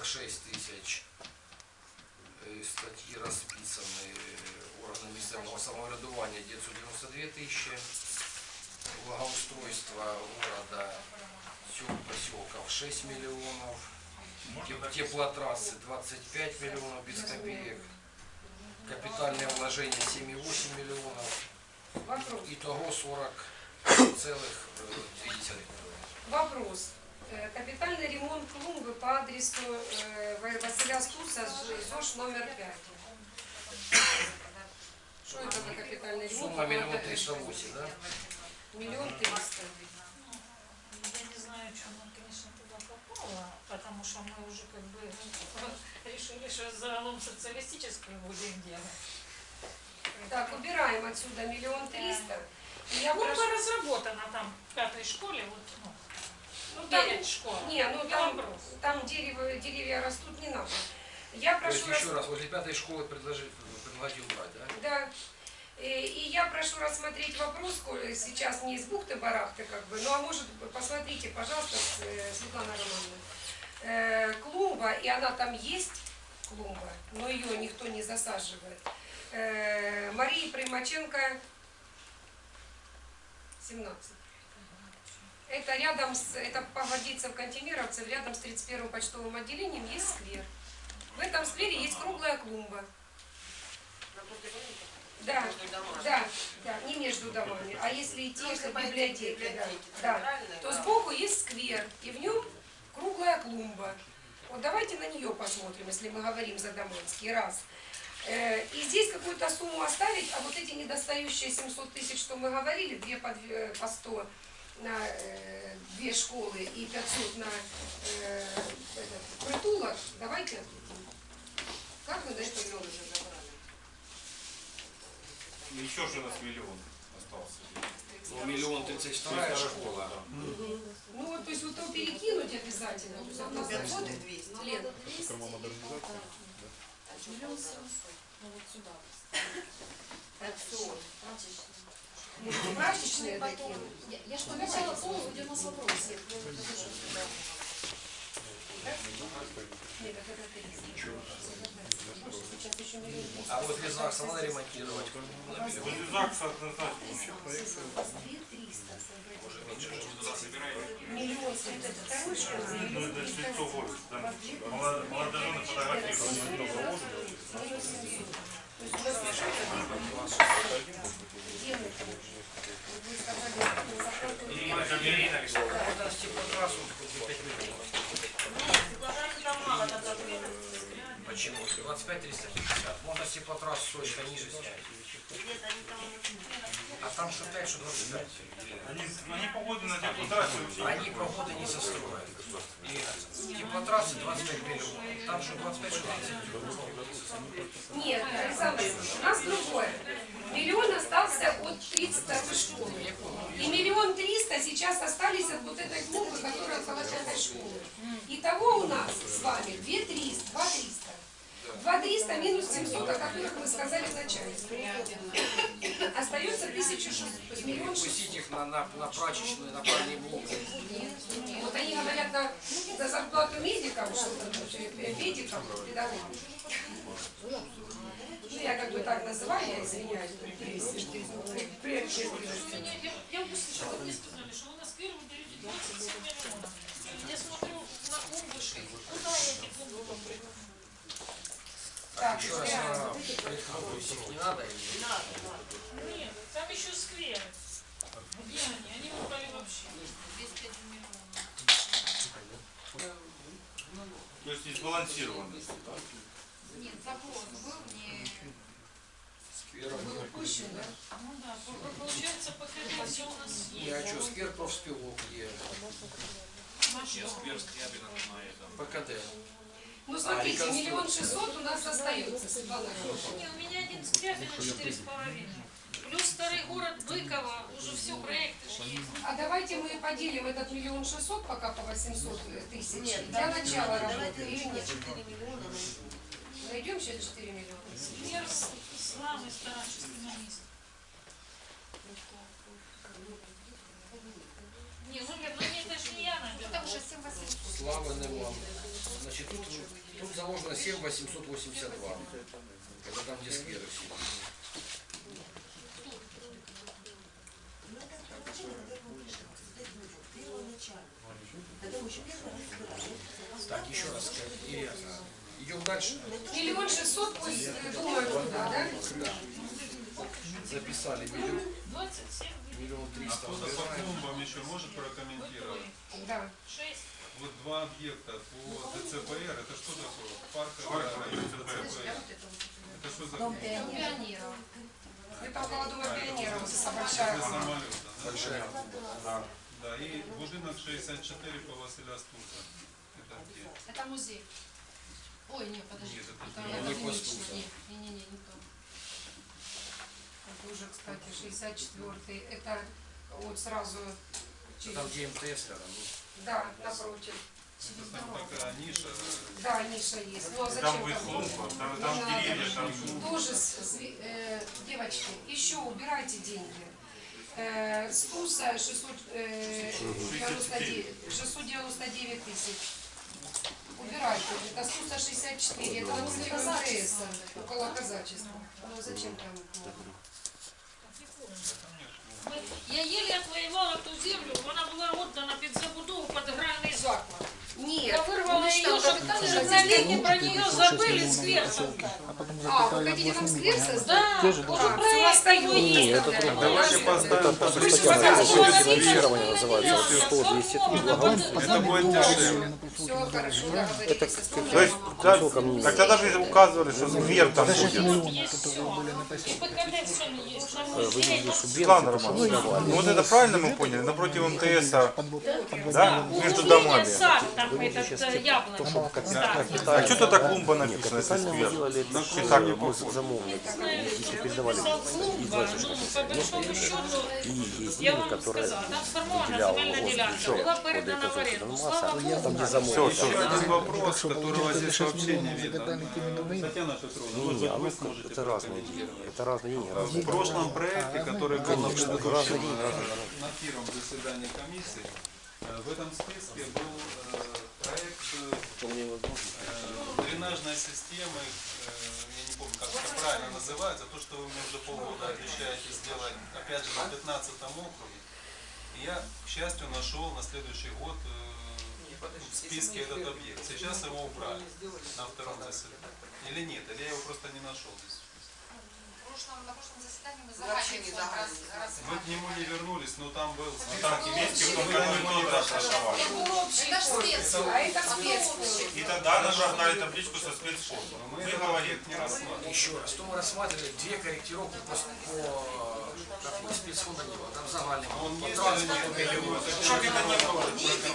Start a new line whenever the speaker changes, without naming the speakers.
46 тысяч. Статьи расписаны. Органы местного самоврядування 992 тысячи. Благоустройство города сел поселков 6 миллионов. Теплотрассы 25 миллионов без копеек. Капитальное вложение 7,8 миллионов. Итого 40,2 миллиона.
Вопрос. Капитальный ремонт клумбы по адресу Василя Стуса, ЗОЖ номер 5. Что это за капитальный ремонт?
Сумма 1 308 000, да?
1 300 000.
Я не знаю, что она, конечно, туда попала, потому что мы уже как бы решили, что загалом социалистическую будем делать.
Так, убираем отсюда 1 300 000.
Клумба разработана там в 5-й школе, вот, ну
там,
перед школой.
Не, ну там деревья растут, не надо. Я прошу
То есть еще раз, возле 5-й школы предложить убрать, да?
Да. И я прошу рассмотреть вопрос, сейчас не из бухты-барахты, как бы, ну а может, посмотрите, пожалуйста, Светлана Романовна, клумба, и она там есть, клумба, но ее никто не засаживает. Марии Примаченко, 17. Это рядом с, это погодится в Кантемировцев, рядом с 31-м почтовым отделением есть сквер. В этом сквере есть круглая клумба. Да, да, не между домами, а если идти к библиотеке, да, то сбоку есть сквер, и в нем круглая клумба. Вот давайте на нее посмотрим, если мы говорим за Доманский, раз. И здесь какую-то сумму оставить, а вот эти недостающие 700 тысяч, что мы говорили, 2 по 100 на 2 школы и 500 на притулок, давайте. Как вы на это уже забрали?
Еще же у нас 1 миллион остался.
Ну, 1 032 000 школа.
Ну вот, то есть вот то перекинуть обязательно. То есть у нас 500 и 200. Лен.
Ну вот сюда.
Прачечные такие.
Я что обещала полу, где у нас вопросы.
Нет, это 300. Сейчас еще 1 300 000.
А вот без ЗАГСа надо ремонтировать.
Возле ЗАГСа однозначно.
2 300.
Уже меньше.
1 000 000 это второй школы.
Ну это же лицо города. Там молодожены фотографируют.
Можно с теплотрассу 5 миллионов. Почему? 25 350. Можно с теплотрассу срочно ниже снять. А там что 5, что 25.
Они погоды на теплотрассе.
Они погоды не застроят. И теплотрассы 25 миллионов. Там что 25, что 30.
Нет, Александр, у нас другое. 1 000 000 остался от 32-й школы. И 1 300 000 сейчас остались от вот этой клумбы, которая около 5-й школы. Итого у нас с вами 2 300. 2 300 минус 700, о которых мы сказали в начале. Остается 1600. То есть 1 600 000.
Пустить их на прачечную, на парные блоки.
Вот они говорят на зарплату медикам, медикам, педагогам. Ну, я как бы так называю, я извиняюсь.
Я услышала, вы сказали, что вы на сквер выделите 27 миллионов. Я смотрю на клумбы, куда я эти клумбы попрыгну?
Так,
Еще раз их не надо?
Нет, там еще скверы. Где они? Они выпали вообще.
То есть не сбалансированность.
Нет, запрос был не...
был упущен, да?
Ну да, получается, покрытие у нас есть.
Я что, сквер профспілок є. ПКД.
Ну, смотрите, 1 600 000 у нас остается, Светлана.
Не, у меня один скрябин на 4,5. Плюс старый город Быково, уже все, проекты же есть.
А давайте мы поделим этот 1 600 000 пока по 800 000 для начала работы или нет? Найдем сейчас 4 миллиона.
Сквер славы старческий на месте. Не, ну это же не я, наверное.
Там уже 7 800.
Слава нема. Значить, тут заложено 7882. Это там, где скверы все. Так, еще раз, Ирина, идем дальше.
1 600 000, пусть думают туда, да?
Записали миллион,
27
миллион
А
300.
кто-то по клумбам еще может прокомментировать?
Да.
6.
Вот два объекта по ДЦПР, это что такое? Парковая ДЦПР. Это что за
Дом пионеров.
Это около дома пионеров, это большая.
самолет?
Большая.
Да, и будинок 64 по Василя Стуса. Это где?
Это музей. Ой, нет, подожди.
Нет, это
Это
не
больничный.
Постуса.
Не то.
Это уже, кстати, 64-й. Это вот сразу через...
Там, где МТС рядом.
Да, напротив.
Там такая ниша.
Да, ниша есть. Ну а зачем
Там будет клумба, там деревья, там
Тоже, девочки, еще убирайте деньги. Стуса 699 тысяч. Убирайте. Это Стуса 64. Это возле МТС, около казачества. Ну зачем там?
Я еле отвоевала ту землю, вона була отдана під забудову під гральний заклад. Я
Нет.
вырвала ее, чтобы на линии про нее забыли сквер создать.
А, вы хотите там сквер создать?
Да, уже проект такой есть.
Давайте поставим по
финансирование называется, 100-200.
Это будет дешевле.
Все хорошо, договорились.
То есть, так тогда же указывали, что сквер там будет.
И ПКД все есть.
Светлана Романовна, ну вот это правильно мы поняли? Напротив МТС, да, между домами.
Сад там этот яблоко.
А что тогда клумба написано, если сквер? И так не похоже.
Клумба, ну, по большому счету, я вам сказала, там сформована земельная делянка, была передана в аренду. Слава Богу,
Все,
Один вопрос, который у вас здесь сообщение видно. Татьяна Петровна, вот вы сможете
это разные деньги. Это разные деньги, разные.
В прошлом проекте, который был на предыдущем, на первом заседании комиссии, в этом списке был проект дренажной системы, я не помню, как это правильно называется, то, что вы мне уже полгода обещаете сделать, опять же, на 15-м округе. И я, к счастью, нашел на следующий год в списке этот объект. Сейчас его убрали на втором заседании. Или нет, или я его просто не нашел здесь.
На прошлом заседании мы заранее
Мы к нему не вернулись, но там был
Это ж спец.
А это спец.
И тогда нам раздали табличку со спецфондом.
мы этот объект не рассматривали.
Еще раз, что мы рассматривали, две корректировки по спецфонда не было. Там завалено.
Он
По
есть или
транспорту
нет?
миллион.
Чтобы это не было.